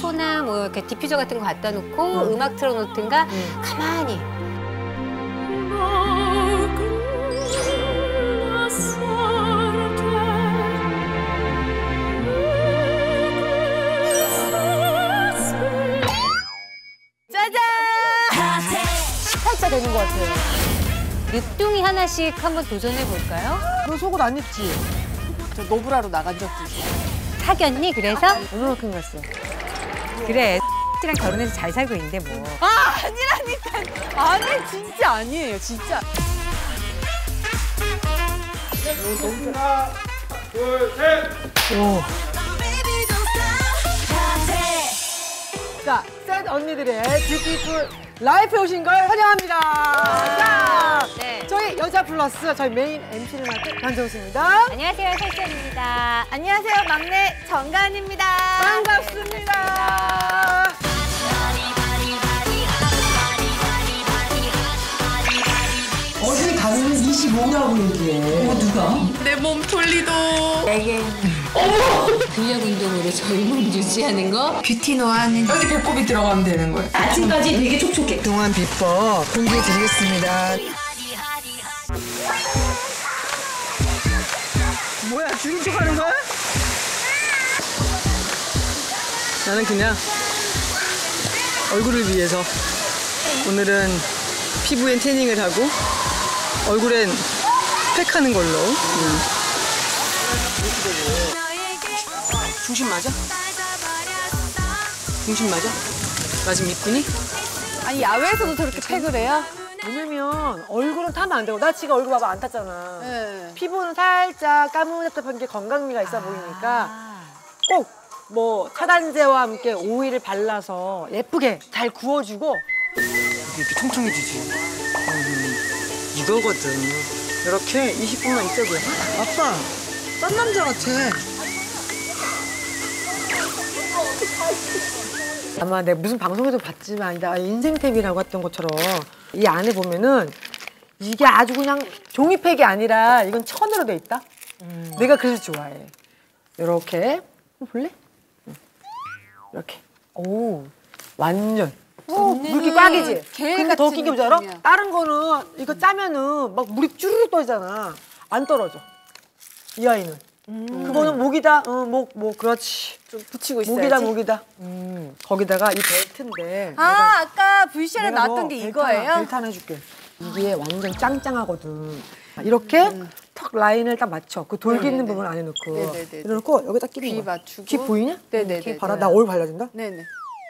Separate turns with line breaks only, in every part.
소나 뭐 이렇게 디퓨저 같은 거 갖다 놓고 음악 틀어놓든가 가만히.
짜잔!
살짝 되는 것 같아요.
늦둥이 하나씩 한번 도전해 볼까요?
너 속옷 안 입지?
저 노브라로 나간 적도 있어요.
사귀었니? 그래서?
얼마만큼 갔어?
그래. X랑 결혼해서 잘 살고 있는데 뭐.
아, 아니라니까. 아니, 진짜 아니에요, 진짜.
하나, 둘, 셋.
오. 자, 셋 언니들의 뷰티풀 라이프에 오신 걸 환영합니다. 자,
네.
저희 여자 플러스 저희 메인 MC를 맡은 반정수입니다.
안녕하세요, 설정입니다.
안녕하세요, 막내 정가은입니다.
반갑습니다.
어디 가면 25라고 얘기해. 누가?
내 몸톨리도.
근력 운동으로 젊음 유지하는 거?
뷰티노아는 여기 배꼽이 들어가면 되는 거예요. 아침까지 되게 촉촉해. 그동안 비법 공개해 드리겠습니다.
뭐야, 죽인 척 하는 거야? 나는 그냥 얼굴을 위해서 오늘은 피부엔 태닝을 하고 얼굴엔 팩하는 걸로. 중심 맞아? 중심 맞아? 나 지금 이쁘니?
아니, 야외에서도 저렇게 팩을 해요?
왜냐면 얼굴은 타면 안 되고 나 지금 얼굴 봐봐 안 탔잖아.
네.
피부는 살짝 까무잡잡한 게 건강미가 있어 보이니까 꼭 뭐 차단제와 함께 오일을 발라서 예쁘게 잘 구워주고 이렇게 통통해지지. 이거거든. 이렇게 20분만 있어도 돼.
아빠, 딴 남자 같아.
아마 내가 무슨 방송에도 봤지만 나 인생템이라고 했던 것처럼 이 안에 보면은 이게 아주 그냥 종이팩이 아니라 이건 천으로 돼 있다. 내가 그래서 좋아해. 이렇게 볼래? 이렇게. 오, 완전. 물기 꽉이지. 근데 더 웃긴 게 뭔지 알아? 다른 거는 이거 짜면은 막 물이 쭈르륵 떠지잖아. 안 떨어져. 이 아이는. 그거는 목이다. 목 그렇지.
좀 붙이고 있어야지.
목이다. 거기다가 이 벨트인데.
아, 아까 VCR에
내가
나왔던
너
게
벨트 하나,
이거예요?
벨트 하나 해줄게. 이게 완전 짱짱하거든. 이렇게 턱 라인을 딱 맞춰. 그 돌기 있는 부분 안에 넣고.
네네네.
이래놓고 여기다 끼는
귀
거야.
맞추고.
귀 보이냐?
네네네.
귀 봐라. 나 오일 발라준다.
네네.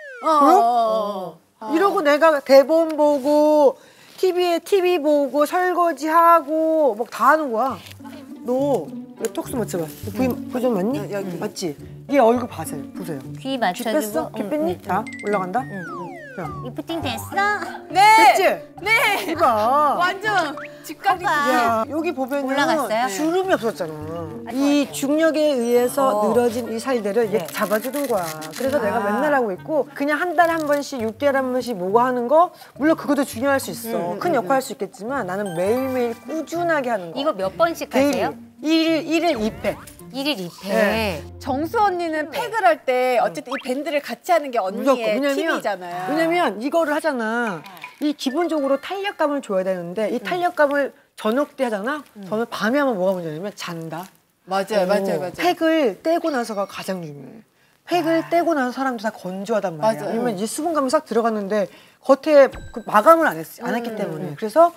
보여? 이러고 내가 대본 보고 TV 보고 설거지하고 막 다 하는 거야. 너 여기 톡스 맞춰봐. 부위 좀 맞니?
여기.
맞지? 얘 얼굴 보세요.
귀
귀
맞춰주고.
뺐어? 귀 뺐니? 자, 올라간다. 자,
리프팅 됐어?
네!
됐지?
네!
이봐.
완전 직각이.
야, 여기 보면은
올라갔어요?
주름이 없었잖아. 이 중력에 의해서 늘어진 이 살들을 얘 잡아주는 거야. 그래서 내가 맨날 하고 있고 그냥 한 달에 한 번씩 6개월에 한 번씩 뭐가 하는 거 물론 그것도 중요할 수 있어. 큰 역할 할 수 있겠지만 나는 매일매일 꾸준하게 하는 거.
이거 몇 번씩
데일리.
하세요?
1일 2팩.
1일 2회.
네.
정수 언니는 팩을 할 때 어쨌든 이 밴드를 같이 하는 게 언니의 팁이잖아요.
왜냐면 이거를 하잖아. 이 기본적으로 탄력감을 줘야 되는데 이 탄력감을 저녁 때 하잖아. 저는 밤에 하면 뭐가 문제냐면 잔다.
맞아요.
팩을 떼고 나서가 가장 중요해. 팩을 떼고 나서 사람들 다 건조하단 말이야.
맞아요.
왜냐면 이제 수분감이 싹 들어갔는데 겉에 그 마감을 안 했기 때문에. 그래서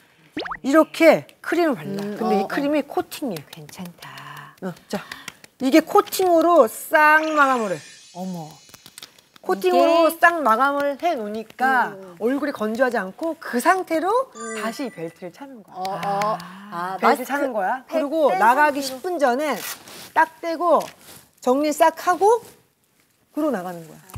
이렇게 크림을 발라. 근데 이 크림이 코팅이야.
괜찮다.
자, 이게 코팅으로 싹 마감을 해.
어머.
코팅으로
이게?
싹 마감을 해 놓으니까 얼굴이 건조하지 않고 그 상태로 다시 이 벨트를 차는 거야. 벨트 차는 거야. 그리고 나가기 10분 전에 딱 떼고 정리 싹 하고 그러고 나가는 거야.